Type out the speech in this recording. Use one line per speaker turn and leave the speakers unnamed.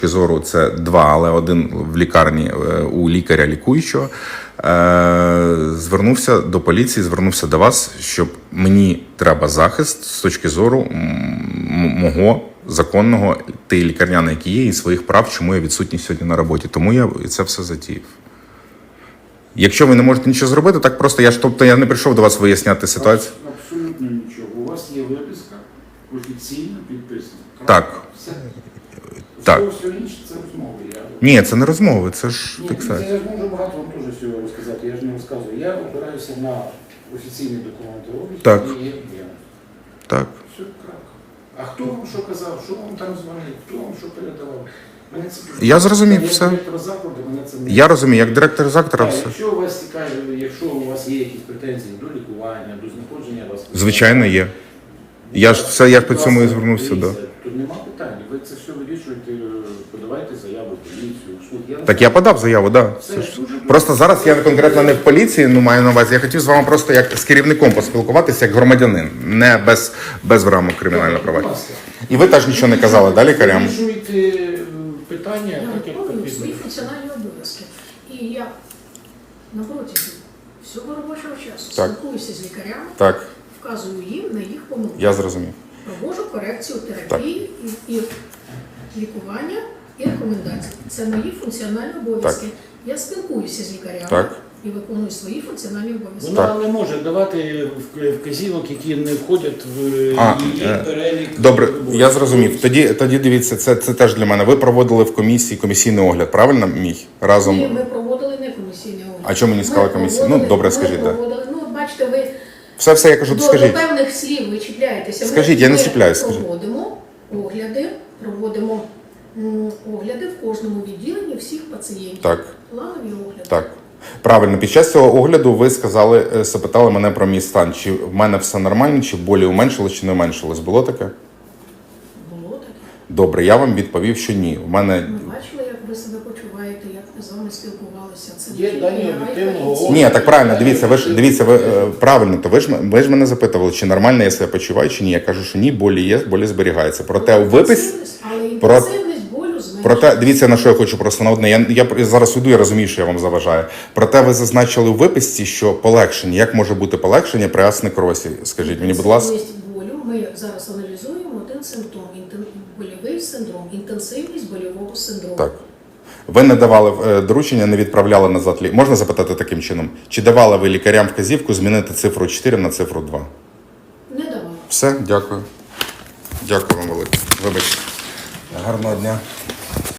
зору це 2, але 1 в лікарні у лікаря лікуючого, звернувся до поліції, звернувся до вас, щоб мені треба захист з точки зору мого законного тієї лікарняної, які є, і своїх прав, чому я відсутній сьогодні на роботі. Тому я це все затіяв. Якщо ви не можете нічого зробити, так просто я не прийшов до вас виясняти ситуацію.
Абсолютно нічого. У вас є виписка, офіційно підписана.
Так.
Все.
Так.
Все інше це розмови.
Ні, це не розмови, це ж
Ні,
фіксація.
це я ж можу багато вам теж всього розказати, я ж не розказую. Я опираюся на офіційні документи,
Так.
які є.
Так.
Все крапка. А хто вам що казав, що вам там дзвонив, хто вам що передавав? Мене це...
Я зрозумів все.
Як директор закладу, мене це не...
Я розумію, як директор заклада все.
Якщо у вас цікаві, якщо у вас є якісь претензії до лікування, до знаходження вас...
Звичайно, є. Я по цьому і звернувся, да.
Тут нема питань. Ви це все вирішуєте, подавайте заяву в поліцію, в суд.
Так я подав заяву, так. Да. Просто зараз я конкретно не в поліції, маю на увазі. Я хотів з вами просто як з керівником поспілкуватися, як громадянин, не без рамок кримінального права. І ви теж нічого не казали, да, лікарям?
Вирішуєте питання,
Я
так як
виконую
потрібно.
свої функціональні обов'язки. І я на протязі всього робочого часу
Так.
спілкуюся з лікарями,
Так,
вказую їм на їх помилки.
я зрозумів.
Проводжу корекцію терапії і лікування, і рекомендації. Це мої функціональні обов'язки. Я спілкуюся з лікарями
Так.
і виконую свої функціональні обов'язки.
Вона не може давати вказівок, які не входять в її перелік.
Добре, я зрозумів. Тоді дивіться, це теж для мене. Ви проводили в комісії комісійний огляд, правильно мій? Разом.
Ні, ми проводили не комісійний огляд.
А чому мені сказали комісійний? Ну, добре, скажіть, так.
Бачите, ви
Все, я кажу,
до
скажіть.
певних слів ви чіпляєтеся.
Скажіть, я не чіпляюсь, скажіть.
Проводимо огляди в кожному відділенні всіх пацієнтів.
Так.
Планові огляди.
Так. Правильно, під час цього огляду ви запитали мене про мій стан. Чи в мене все нормально, чи болі уменшилось, чи не уменшилось. Було таке?
Було таке.
Добре, я вам відповів, що ні. В мене...
Ми бачили, як ви себе почуваєте, як ви з вами спілкувалися. Це
Є
не
дані
тільки
об'єктивного
я,
Ні, так правильно, дивіться, ви правильно, то ви ж мене запитували, чи нормально я себе почуваю, чи ні. Я кажу, що ні, болі є, болі зберігаються. Проте у виписі...
Але інтенсивність болю зменшується.
Проте, дивіться, на що я хочу просто на одне. Я зараз йду, я розумію, що я вам заважаю. Проте ви зазначили у виписці, що полегшення. Як може бути полегшення при астенекрозі? Скажіть мені, будь ласка.
Інтенсивність болю, ми зараз аналізуємо один симптом, больовий синдром, інтенсивність больового синдрому.
Так. Ви не давали доручення, не відправляли назад лікарям. Можна запитати таким чином? Чи давали ви лікарям вказівку змінити цифру 4 на цифру 2?
Не давала.
Все, дякую. Дякую вам велике. Вибачте. Гарного дня.